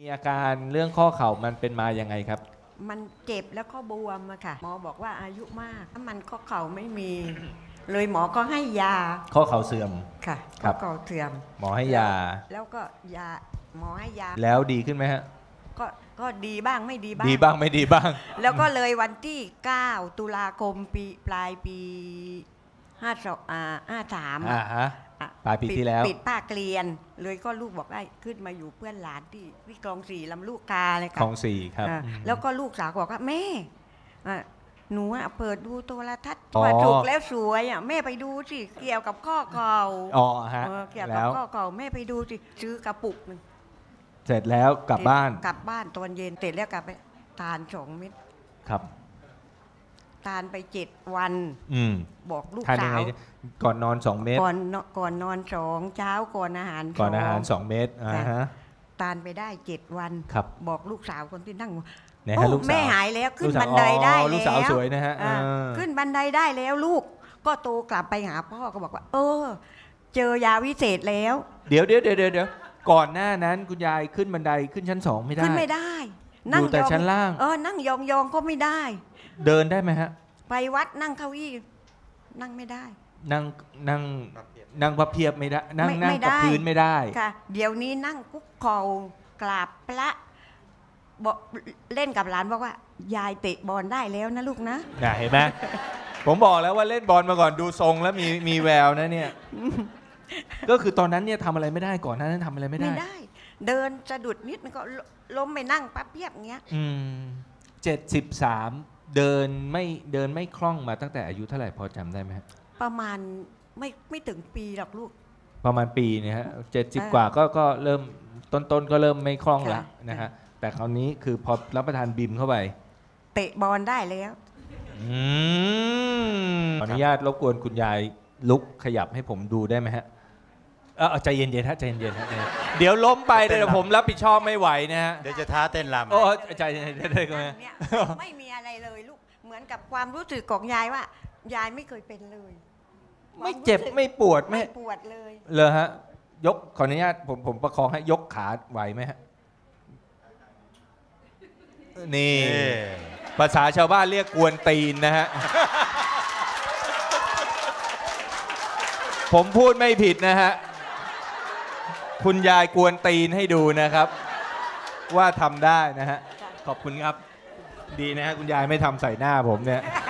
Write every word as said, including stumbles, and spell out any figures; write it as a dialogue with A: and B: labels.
A: มีอาการเรื่องข้อเข่ามันเป็นมายังไงครับ
B: มันเจ็บแล้วก็บวมอะค่ะหมอบอกว่าอายุมากถ้ามันข้อเข่าไม่มีเลยหมอก็ให้ยา
A: ข้อเข่าเสื่อม
B: ค่ะข้อเข่าเสื่อม
A: หมอให้ยา
B: แล้วก็ยาหมอให้ยา
A: แล้วดีขึ้นไหมฮะ
B: ก็ก็ดีบ้างไม่ดีบ้าง
A: ดีบ้างไม่ดีบ้าง
B: แล้วก็เลยวันที่เก้าตุลาคมปีปลายปีห้าสองอ่าห้าสาม
A: อ่าฮะปลายปีที่แล้ว
B: ปิดภาคเรียนเลยก็ลูกบอกได้ขึ้นมาอยู่เพื่อนหลานที่ที่คลองสี่ลำลูกกาเลยค่ะ
A: คลองสี่ครับ
B: แล้วก็ลูกสาวบอกว่าแม่หนูเปิดดูโทรทัศน์ว่าถูกแล้วสวยอ่ะแม่ไปดูสิเกี่ยวกับข้อเข่า
A: อ๋อฮะ
B: เกี่ยวกับข้อเข่าแม่ไปดูสิซื้อกระปุกนึง
A: เสร็จแล้วกลับบ้าน
B: กลับบ้านตอนเย็นเสร็จแล้วกลับไปทานสองเม็ด
A: ครับ
B: ทานไปเจ็ดวันบอกลูกสาว
A: ก่อนนอนสองเม็ด
B: ก่อนก่อนนอนสองเช้าก่อนอาหาร
A: ก่อนอาหารสองเม็ดอ่าฮะ
B: ทานไปได้เจ็ดวันบอกลูกสาวคนที่นั่ง
A: โอ้
B: แม่หายแล้วขึ้นบันไดได้แล้ว
A: ลูกสาวสวยนะฮะ
B: ขึ้นบันไดได้แล้วลูกก็โตกลับไปหาพ่อก็บอกว่าเออเจอยาวิเศษแล้ว
A: เดี๋ยวเดี๋ยวเดี๋ยวเดี๋ยวก่อนหน้านั้นคุณยายขึ้นบันไดขึ้นชั้นสองไม่ได้
B: ขึ้นไม่ได้
A: นั่งแต่ชั้นล่าง
B: เออนั่งยองๆก็ไม่ได้
A: เดินได้ไหมฮะ
B: ไปวัดนั่งเก้าอี้นั่งไม่ได้
A: นั่งนั่งนั่งพับเพียบไม่ได้นั่งนั่งกับพื้นไม่ได้
B: ค่ะเดี๋ยวนี้นั่งคุกเข่ากราบพระบอกเล่นกับหลานบอกว่ายายเตะบอลได้แล้วนะลูกนะ
A: เห็นไหมผมบอกแล้วว่าเล่นบอลมาก่อนดูทรงแล้วมีมีแววนะเนี่ยก็คือตอนนั้นเนี่ยทำอะไรไม่ได้ก่อนนั้นทำอะไรไม่ได้
B: ไม่ได้เดินสะดุดนิดมันก็ล้มไปนั่งปั๊บเพียบเงี้ย
A: อืมเจ็ดสิบสามเดินไม่เดินไม่คล่องมาตั้งแต่อายุเท่าไหร่พอจำได้ไหม
B: ประมาณไม่ไม่ถึงปีหรอกลูก
A: ประมาณปีเนี่ยฮะเจ็ดสิบกว่าก็ก็เริ่มต้นๆก็เริ่มไม่คล่องแล้วนะฮะแต่คราวนี้คือพอรับประทานบิมเข้าไป
B: เตะบอลได้แล้ว
A: อืมขออนุญาตรบกวนคุณยายลุกขยับให้ผมดูได้ไหมฮะเออใจเย็นๆฮะใจเย็นๆฮะเดี๋ยวล้มไปเดี๋ยวผมรับผิดชอบไม่ไหวนะฮะ
C: เดี๋ยวจะท้าเต้นรำ
A: โอ้ใจเย็นๆได้ไหม
B: ไม่มีอะไรเลยลูกเหมือนกับความรู้สึกของยายว่ายายไม่เคยเป็นเลย
A: ไม่เจ็บไม่ปวด
B: ไม่ปวดเลย
A: เลยฮะยกขออนุญาตผมผมประคองให้ยกขาไหวไหมฮะนี่ภาษาชาวบ้านเรียกกวนตีนนะฮะผมพูดไม่ผิดนะฮะคุณยายกวนตีนให้ดูนะครับว่าทำได้นะฮะขอบคุณครับดีนะฮะคุณยายไม่ทำใส่หน้าผมเนี่ย